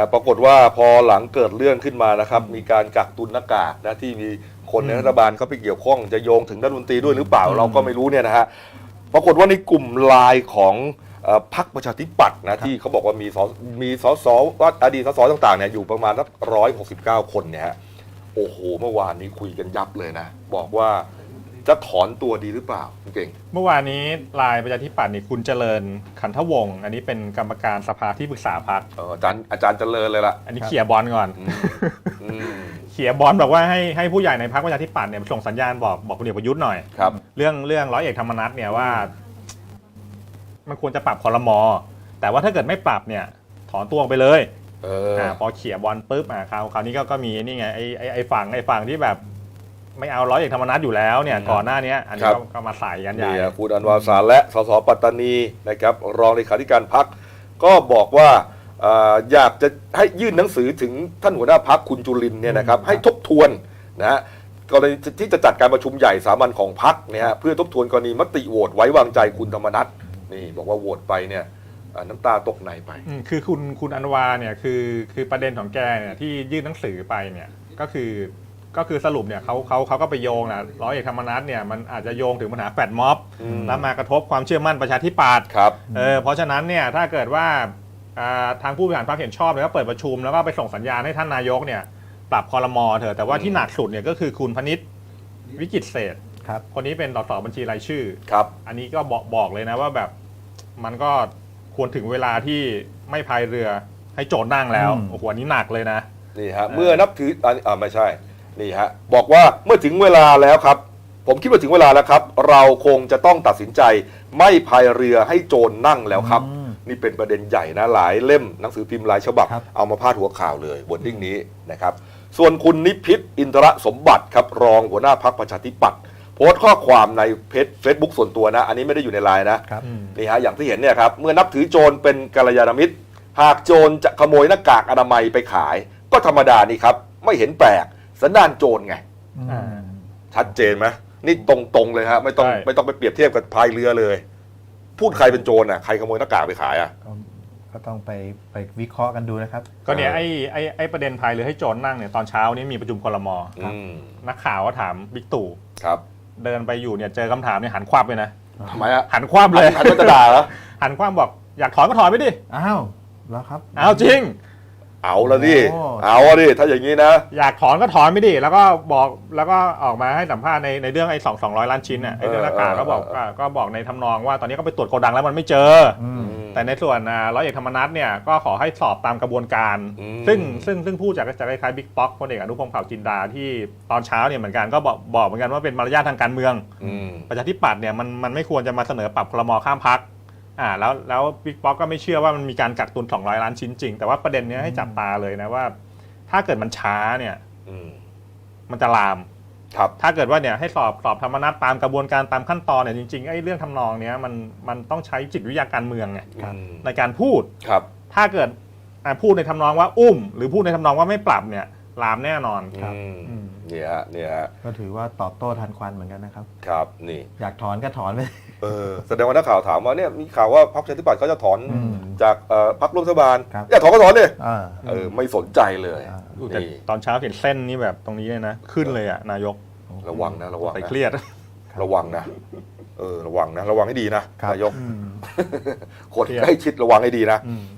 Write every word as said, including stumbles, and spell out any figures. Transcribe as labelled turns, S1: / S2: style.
S1: ปรากฏว่าพอหลังเกิดเรื่องขึ้นมานะครับมีการกักตุนหน้ากากนะที่มีคนในรัฐบาลเขาไปเกี่ยวข้องจะโยงถึงรัฐมนตรีด้วยหรือเปล่าเราก็ไม่รู้เนี่ยนะฮะปรากฏว่าในกลุ่มไลน์ของพรรคประชาธิปัตย์นะที่เขาบอกว่ามีสมีสสว่าอดีตสสต่างๆเนี่ยอยู่ประมาณสักร้อยหกสิบเก้าคนเนี่ยฮะโอ้โหเมื่อวานนี้คุยกันยับเลยนะบอกว่าจะถอนตัวดีหรือเปล่าเก่ง
S2: เมื่อวานนี้ไลน์ประชาธิปัตย์นี่คุณเจริญขันธวงศ์อันนี้เป็นกรรมการสภาที่ปรึกษาพรรค
S1: อาจารย์อาจารย์เจริญเลยล่ะ
S2: อันนี้เขี่ยบอลก่อนเขี่ยบอลบอกว่าให้ให้ผู้ใหญ่ในพรรคประชาธิปัตย์เนี่ยส่งสัญญาณบอกบอกพลเอกประยุทธ์หน่อย
S1: ครับ
S2: เรื่องเรื่องร้อยเอกธรรมนัสเนี่ยว่ามันควรจะปรับครม.แต่ว่าถ้าเกิดไม่ปรับเนี่ยถอนตัวไปเลย
S1: เออ
S2: พอเขี่ยบอลปุ๊บอ่าคราวคราวนี้ก็ก็มีนี่ไงไอ้ไอ้ไอ้ฝั่งไอ้ฝั่งที่แบบไม่เอาร้อยเอกธรรมนัสอยู่แล้วเนี่ยก่อนหน้านี้อันนี้ก็มาใส่กันใหญ่
S1: คุณอันวาสารและสสปัตตานีนะครับรองเลขาธิการพรรคก็บอกว่าอยากจะให้ยื่นหนังสือถึงท่านหัวหน้าพรรคคุณจุลินทร์เนี่ยนะครับให้ทบทวนนะฮะกรณีที่จะจัดการประชุมใหญ่สามัญของพรรคเนี่ยฮะเพื่อทบทวนกรณีมติโหวตไว้วางใจคุณธรรมนัสนี่บอกว่าโหวตไปเนี่ยน้ำตาตกในไป
S2: คือคุณคุณอันวาเนี่ยคือคือประเด็นของแกเนี่ยที่ยื่นหนังสือไปเนี่ยก็คือก็คือสรุปเนี่ยเขาเขาเขาก็ไปโยงนะร้อยเอกธรรมนัสเนี่ยมันอาจจะโยงถึงปัญหาแฟดม็อบแล้วมากระทบความเชื่อมั่นประชาธิปัตย์
S1: ครับ
S2: เออเพราะฉะนั้นเนี่ยถ้าเกิดว่าทางผู้บริหารพรรคเห็นชอบแล้วก็เปิดประชุมแล้วก็ไปส่งสัญญาณให้ท่านนายกเนี่ยปรับครม.เถอะแต่ว่าที่หนักสุดเนี่ยก็คือคุณพนิษฐ์วิจิตรเศรษฐ์คนนี้เป็นสสบัญชีรายชื่อ
S1: ครับ
S2: อันนี้ก็บอกบอกเลยนะว่าแบบมันก็ควรถึงเวลาที่ไม่พายเรือให้โจรนั่งแล้วโอ้โหอันนี้หนักเลยนะ
S1: นี่ฮะเมื่อนับถืออ่าไม่ใช่นี่ฮะบอกว่าเมื่อถึงเวลาแล้วครับผมคิดว่าถึงเวลาแล้วครับเราคงจะต้องตัดสินใจไม่พายเรือให้โจรนั่งแล้วครับนี่เป็นประเด็นใหญ่นะหลายเล่มหนังสือพิมพ์หลายฉบับเอามาพาดหัวข่าวเลยบนทิ้งนี้นะครับส่วนคุณนิพิษอินทรสมบัติครับรองหัวหน้าพรรคประชาธิปัตย์โพสต์ข้อความในเพจเฟซบุ๊กส่วนตัวนะอันนี้ไม่ได้อยู่ในไลน์นะนี่ฮะอย่างที่เห็นเนี่ยครับเมื่อนับถือโจรเป็นกัลยาณมิตรหากโจรจะขโมยหน้ากากอนามัยไปขายก็ธรรมดานี่ครับไม่เห็นแปลกสันดานโจรไงชัดเจนไหมนี่ตรงๆเลยฮะไม่ต้องไม่ต้องไปเปรียบเทียบกับพายเรือเลยพูดใครเป็นโจรอ่ะใครขโมยหน้ากากไปขายอ่ะ
S3: ก็ต้องไปไปวิเคราะห์กันดูนะครับ
S2: ก็เนี่ยไอ้ไอ้ไอ้ประเด็นพายเรือให้โจรนั่งเนี่ยตอนเช้านี้มีประชุมครม.นักข่าวก็ถามบิ๊กตู่
S1: ครับ
S2: เดินไปอยู่เนี่ยเจอคำถามเนี่ยหันควับเลยนะ
S1: ทำไมอ่ะ
S2: หันควับเลย
S1: หันจะด่าเหรอ
S2: หันควับบอกอยากถอนก็ถอนไปดิ
S3: อ้าวแล้วครับ
S2: อ้าวจริง
S1: เอาละดิเอาดิถ้าอย่างนี้นะ
S2: อยากถอนก็ถอนไม่ดิแล้วก็บอกแล้วก็ออกมาให้สัมภาษณ์ในในเรื่องไอ้สองสองร้อยล้านชิ้นน่ะไอ้เรื่องหน้ากากก็บอกก็บอกในทำนองว่าตอนนี้ก็ไปตรวจโกดังแล้วมันไม่เจอแต่ในส่วนร้อยเอกธรรมนัสเนี่ยก็ขอให้สอบตามกระบวนการซึ่งซึ่งซึ่งพูดจากจากคล้ายๆบิ๊กป๊อกพลเอกอนุพงษ์เผ่าจินดาที่ตอนเช้าเนี่ยเหมือนกันก็บอกบอกเหมือนกันว่าเป็นมารยาททางการเมืองประชาธิปัตย์เนี่ยมันมันไม่ควรจะมาเสนอปรับครม.ข้ามพรรคอ่าแล้วแล้วบิ๊กป๊อกก็ไม่เชื่อว่ามันมีการกักตุนสองร้อยล้านชิ้นจริงแต่ว่าประเด็นนี้ให้จับตาเลยนะว่าถ้าเกิดมันช้าเนี่ยมันจะลาม
S1: ครับ
S2: ถ้าเกิดว่าเนี่ยให้สอบสอบธรรมนัสตามกระบวนการตามขั้นตอนเนี่ยจริงๆไอ้เรื่องทำนองเนี้ยมันมันต้องใช้จิตวิทยาการเมืองไงในการพูด
S1: ครับ
S2: ถ้าเกิดพูดในทำนองว่าอุ้มหรือพูดในทำนองว่าไม่ปรับเนี่ยลามแน่นอน
S1: ครับเนี่ยเนี่ย
S3: ก็ถือว่าตอบโต้ทันควันเหมือนกันนะครับ
S1: ครับนี่
S3: อยากถอนก็ถอนไป
S1: เออแสดงว่านักข่าวถามว่าเนี่ยมีข่าวว่าพรรคประชาธิปัตย์เขาจะถอนจากพรรคร่วมรัฐบาลอยากถอนก็ถอนเลยเออไม่สนใจเลย
S2: ตอนเช้าเห็นเส้นนี้แบบตรงนี้เลยนะขึ้นเลยอ่ะนายก
S1: ระวังนะระวัง
S2: ไปเครียด
S1: ระวังนะเออระวังนะระวังให้ดีนะนายกคนใกล้ชิดระวังให้ดีนะ